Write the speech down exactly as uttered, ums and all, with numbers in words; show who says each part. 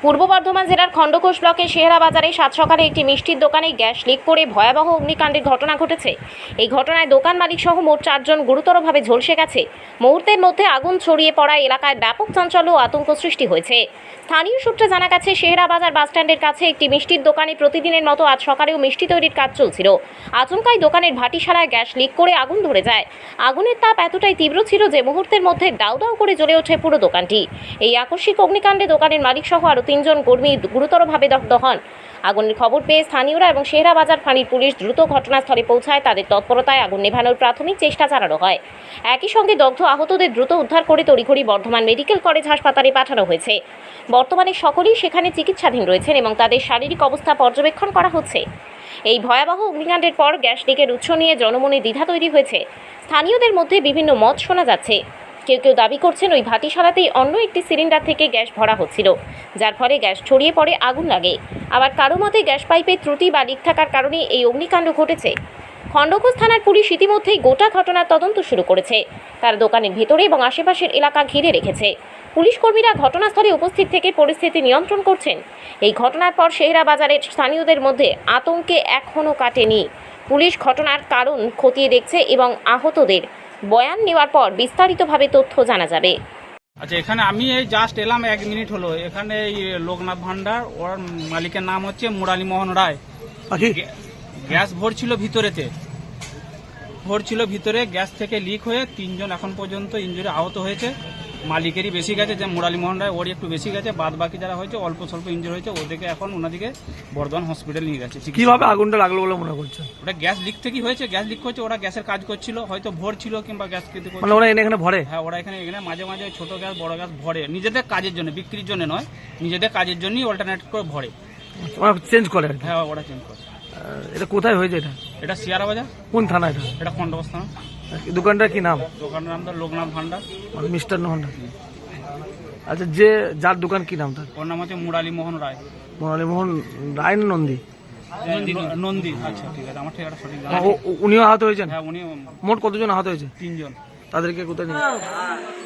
Speaker 1: পূর্ব বর্ধমান জেলার খণ্ডঘোষ ব্লকের শেহরা বাজারে সাত সকালে একটি মিষ্টির দোকানে গ্যাস লিক করে ভয়াবহ অগ্নিকাণ্ডের ঘটনা ঘটেছে। এই ঘটনায় দোকান মালিক সহ মোট চারজন গুরুতরভাবে ঝলসে গেছে। মুহূর্তের মধ্যে আগুন ছড়িয়ে পড়ায় এলাকায় ব্যাপক চাঞ্চল্য ও আতঙ্ক সৃষ্টি হয়েছে। স্থানীয় সূত্রে জানা গেছে, শেহরা বাজার বাসস্ট্যান্ডের কাছে একটি মিষ্টির দোকানে প্রতিদিনের মতো আজ সকালেও মিষ্টি তৈরির কাজ চলছিল। আচমকাই দোকানের ভাটিশালায় গ্যাস লিক করে আগুন ধরে যায়। আগুনের তাপ এতটাই তীব্র ছিল যে মুহূর্তের মধ্যে দাউ দাউ করে জ্বলে ওঠে পুরো দোকানটি। এই আকস্মিক অগ্নিকাণ্ডে দোকানের মালিক সহ আরও তিনজন কর্মী গুরুতরভাবে দগ্ধ হন। আগুনের খবর পেয়ে স্থানীয়রা এবং শেহরা বাজার ফাঁড়ির পুলিশ দ্রুত ঘটনাস্থলে পৌঁছায়। তাদের তৎপরতায় আগুন নেভানোর প্রাথমিক চেষ্টা চালানো হয়। একই সঙ্গে দগ্ধ আহতদের দ্রুত উদ্ধার করে তড়িঘড়ি বর্ধমান মেডিকেল কলেজ হাসপাতালে পাঠানো হয়েছে। বর্তমানে সকলেই সেখানে চিকিৎসাধীন রয়েছেন এবং তাদের শারীরিক অবস্থা পর্যবেক্ষণ করা হচ্ছে। এই ভয়াবহ অগ্নিকাণ্ডের পর গ্যাস লিকের উৎস নিয়ে জনমনে দ্বিধা তৈরি হয়েছে। স্থানীয়দের মধ্যে বিভিন্ন মত শোনা যাচ্ছে। কেউ কেউ দাবি করছেন ওই ভাটিশালাতেই অন্য একটি সিলিন্ডার থেকে গ্যাস ভরা হচ্ছিল, যার ফলে গ্যাস ছড়িয়ে পড়ে আগুন লাগে। আবার কারো মতে গ্যাস পাইপের ত্রুটি বা লিক থাকার কারণে এই অগ্নিকাণ্ড ঘটেছে। খণ্ডঘোষ থানার পুলিশ ইতিমধ্যেই গোটা ঘটনার তদন্ত শুরু করেছে। তার দোকানের ভেতরে এবং আশেপাশের এলাকা ঘিরে রেখেছে। পুলিশ কর্মীরা ঘটনাস্থলে উপস্থিত থেকে পরিস্থিতি নিয়ন্ত্রণ করছেন। এই ঘটনার পর শেহরা বাজারের স্থানীয়দের মধ্যে আতঙ্কে এখনও কাটেনি। পুলিশ ঘটনার কারণ খতিয়ে দেখছে এবং আহতদের বয়ান নেওয়ার পর বিস্তারিতভাবে তথ্য জানা যাবে।
Speaker 2: আচ্ছা, এখানে আমি এই জাস্ট এলাম, এক মিনিট হলো। এখানে এই লোকনাথ ভান্ডার, ওর মালিকের নাম হচ্ছে মুরালী মোহন রায়। গ্যাস ভরছিল ভিতরেতে, ভরছিল ভিতরে, গ্যাস থেকে লিক হয়ে তিনজন এখন পর্যন্ত ইনজুরি আহত হয়েছে। মালিকেরই বেশি গেছে, যে মুরালী মোহন রায়, ওরই একটু বেশি গেছে। বাদ বাকি যারা হয়েছে অল্প স্বল্প ইনজুরি হয়েছে, ওদেরকে এখন ওনাদিকে বর্ধমান হসপিটাল নিয়ে গেছে।
Speaker 3: কিভাবে আগুনটা লাগলো বলে মনে করছে?
Speaker 2: ওটা গ্যাস লিক থেকে হয়েছে। গ্যাস লিক করছে, ওরা গ্যাসের কাজ করছিল, হয়তো ভোর ছিল কিংবা গ্যাস খেতে
Speaker 3: মানে ওরা এনে এখানে ভরে।
Speaker 2: হ্যাঁ, ওরা এখানে এখানে মাঝে মাঝে ছোট গ্যাস বড় গ্যাস ভরে, নিজেদের কাজের জন্য, বিক্রির জন্য নয়, নিজেদের কাজের জন্যই অল্টারনেট করে ভরে।
Speaker 3: ওরা চেঞ্জ করে?
Speaker 2: হ্যাঁ, ওরা চেঞ্জ করে।
Speaker 3: এটা কোথায় হয়েছে? এটা
Speaker 2: এটা শেহরা বাজার।
Speaker 3: কোন থানা এটা?
Speaker 2: এটা খণ্ডঘোষ থানা।
Speaker 3: দোকানটার কি নাম?
Speaker 2: দোকানের নাম তো লোকনাথ ভান্ডার,
Speaker 3: মানে মিস্টার ভান্ডার। আচ্ছা, যে যার দোকান কি নাম তার?
Speaker 2: ওর নাম হচ্ছে মুরালী মোহন রায়।
Speaker 3: মুরালী মোহন রায় না নন্দী?
Speaker 2: নন্দী। আচ্ছা, ঠিক আছে, আমার ঠিকানা সঠিক জানা।
Speaker 3: উনিও আহত হয়েছেন?
Speaker 2: হ্যাঁ, উনি।
Speaker 3: মোট কতজন আহত হয়েছে?
Speaker 2: তিনজন।
Speaker 3: তাদেরকে কোথায় নিয়ে